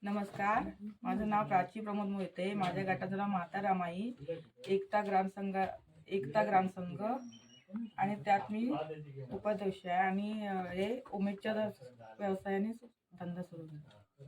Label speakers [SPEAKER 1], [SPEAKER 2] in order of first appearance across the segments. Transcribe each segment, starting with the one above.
[SPEAKER 1] नमस्कार, माझं नाव प्राची प्रमोद मोहिते. माझ्या गटाचं नाव माता रमाई एकता ग्रामसंघ आणि त्यात मी उपाध्यक्ष आहे आणि हे उमेदच्या व्यवसायाने धंदा सुरू केला.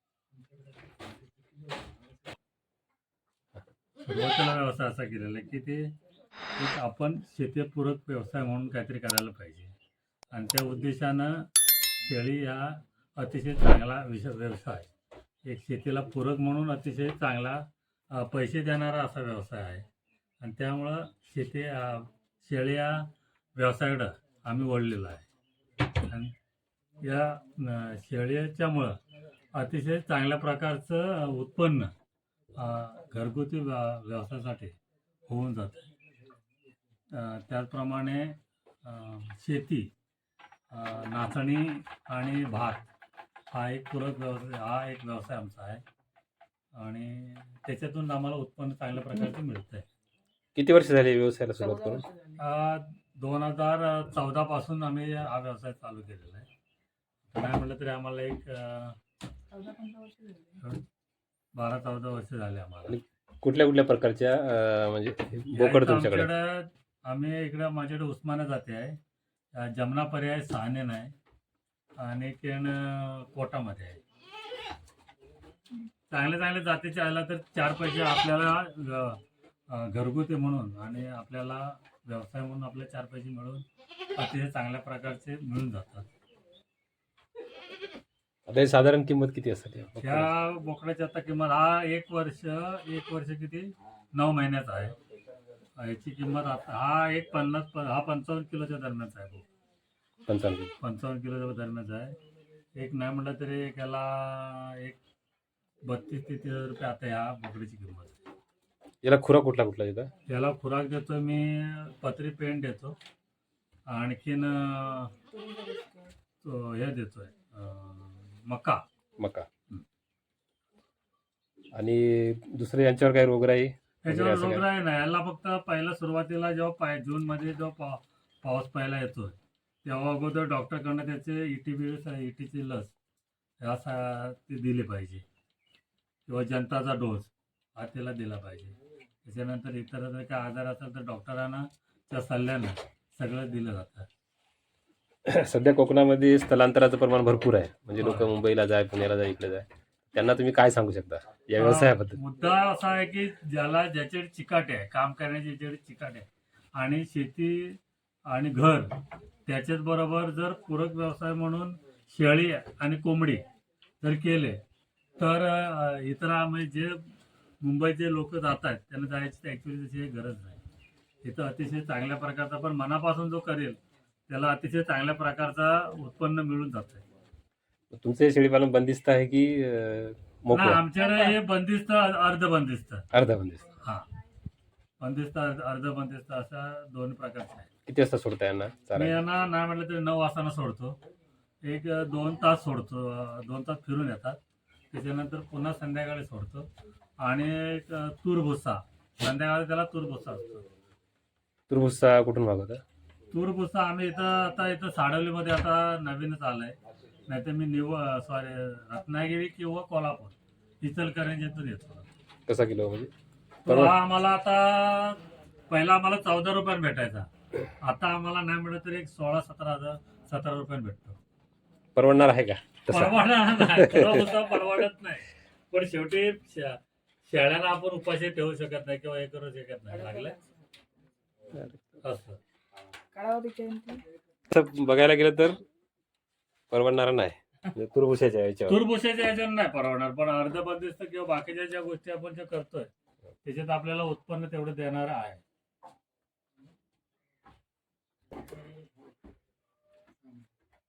[SPEAKER 2] सुरुवातीला व्यवसाय असा केलेला आहे की ते एक आपण शेतीपूरक व्यवसाय म्हणून काहीतरी करायला पाहिजे आणि त्या उद्देशानं शेळी हा अतिशय चांगला व्यवसाय, एक शेतीला पूरक म्हणून अतिशय चांगला पैसे देणारा असा व्यवसाय आहे आणि त्यामुळं शेळी या व्यवसायाकडं आम्ही वळलेलो आहे आणि या शेळीच्यामुळं अतिशय चांगल्या प्रकारचं उत्पन्न घरगुती व्यवसायासाठी होऊन जातं. त्याचप्रमाणे शेती, नाचणी आणि भात हा एक पूरक व्यवसाय आमचा आहे आणि त्याच्यातून आम्हाला उत्पन्न चांगल्या प्रकारचे मिळतं आहे.
[SPEAKER 3] किती वर्ष झाली व्यवसायाला सुरुवात करून?
[SPEAKER 2] 2014 पासून आम्ही हा व्यवसाय चालू केलेला आहे. नाही म्हटलं तरी आम्हाला एक 12-14 वर्ष झाले आम्हाला.
[SPEAKER 3] कुठल्या कुठल्या प्रकारच्या म्हणजे बोकड तुमच्याकडे?
[SPEAKER 2] आम्ही इकडे माझ्याकडे उस्माना जाते आहे, जमना पर्याय सहानेन आहे आणि कोटामध्ये आहे. चांगल्या जातीचे आला तर 4 पैसे आपल्याला घरगुती म्हणून आणि आपल्याला व्यवसाय म्हणून आपले 4 पैसे मिळून अतिशय चांगल्या प्रकारचे मिळून जातात.
[SPEAKER 3] आता साधारण किंमत किती असते
[SPEAKER 2] त्या बोकडाची? आता किंमत हा एक वर्ष किती 9 महिन्याचा आहे. याची किंमत आता हा 55 किलोच्या दरम्यानचा आहे. 55 किलोच्या दरम्यानचा आहे. एक नाही म्हटलं तरी याला एक 32 ते 30 रुपये आता ह्या बोकड्याची किंमत आहे.
[SPEAKER 3] याला खुराक कुठला देता?
[SPEAKER 2] याला खुराक देतो मी पत्री पेंट देतो, आणखीन हे देतोय मका.
[SPEAKER 3] आणि दुसरे यांच्यावर काही रोगराई?
[SPEAKER 2] याच्यावर रोगराई नाही. याला फक्त पहिला सुरुवातीला जेव्हा जून मध्ये जेव्हा पाऊस पहिला येतोय तेव्हा अगोदर डॉक्टरकडनं त्याचे इटीची लस ते दिली पाहिजे किंवा जनताचा डोस हा त्याला दिला पाहिजे. त्याच्यानंतर इतर जर काही आजार असेल तर डॉक्टरांना त्या सल्ल्यानं सगळं दिलं जातं.
[SPEAKER 3] सध्या कोकणामध्ये स्थलांतराचं प्रमाण भरपूर आहे, म्हणजे लोक मुंबईला जाय, पुण्याला जाय, इकडे जाय. त्यांना तुम्ही काय सांगू शकता या व्यवसायाबद्दल?
[SPEAKER 2] मुद्दा असा आहे की ज्याच्याकडे चिकाटे आहे, काम करण्याची ज्याच्याकडे चिकाटे आहे आणि शेती आणि घर त्याच्याच बरोबर जर पूरक व्यवसाय म्हणून शेळी आणि कोंबडी जर केले तर इतर म्हणजे जे मुंबईचे लोक जात आहेत त्यांना जायची ॲक्च्युली तशी गरज नाही. इथं अतिशय चांगल्या प्रकारचा पण मनापासून जो करेल त्याला अतिशय चांगल्या प्रकारचा उत्पन्न मिळून जात आहे.
[SPEAKER 3] तुमचे शेळीपालन बंदिस्त आहे की मोकळं?
[SPEAKER 2] आमच्याकडे हे बंदिस्त, अर्धबंदिस्त. हा, बंदिस्त अर्धबंदिस्त असा 2 प्रकारचे आहे.
[SPEAKER 3] किती वाजता सोडता यांना?
[SPEAKER 2] मी यांना नाही म्हटलं तरी 9 वाजता सोडतो. एक 2 तास सोडतो, 2 तास फिरून येतात. त्याच्यानंतर पुन्हा संध्याकाळी सोडतो आणि तूर भुसा संध्याकाळी त्याला तूर भुसा असतो.
[SPEAKER 3] तूर भुसा कुठून मागवता?
[SPEAKER 2] तूर भुसा आम्ही इथं साडवलीमध्ये आता नवीनच आलंय. नाही तर मी रत्नागिरी किंवा कोल्हापूर इचलकरंजीतून येतो.
[SPEAKER 3] कसा किलो म्हणजे?
[SPEAKER 2] तो हा आम्हाला आता पहिला आम्हाला 14 रुपयाने भेटायचा, आता आम्हाला नाही म्हणलं तरी एक 16-17 रुपयाने भेटतो.
[SPEAKER 3] परवडणार आहे का?
[SPEAKER 2] परवडणार नाही, परवडत नाही. पण शेवटी शेळ्याला आपण उपाशी ठेवू शकत नाही किंवा हे करू शकत नाही. लागलं असं
[SPEAKER 3] बघायला गेलं तर परवडणार नाही. तुरभुशाच्या
[SPEAKER 2] याच्यावर नाही परवडणार, पण अर्धबंदिस्त किंवा बाकीच्या ज्या गोष्टी आपण जे करतोय त्याच्यात आपल्याला उत्पन्न तेवढं देणार आहे.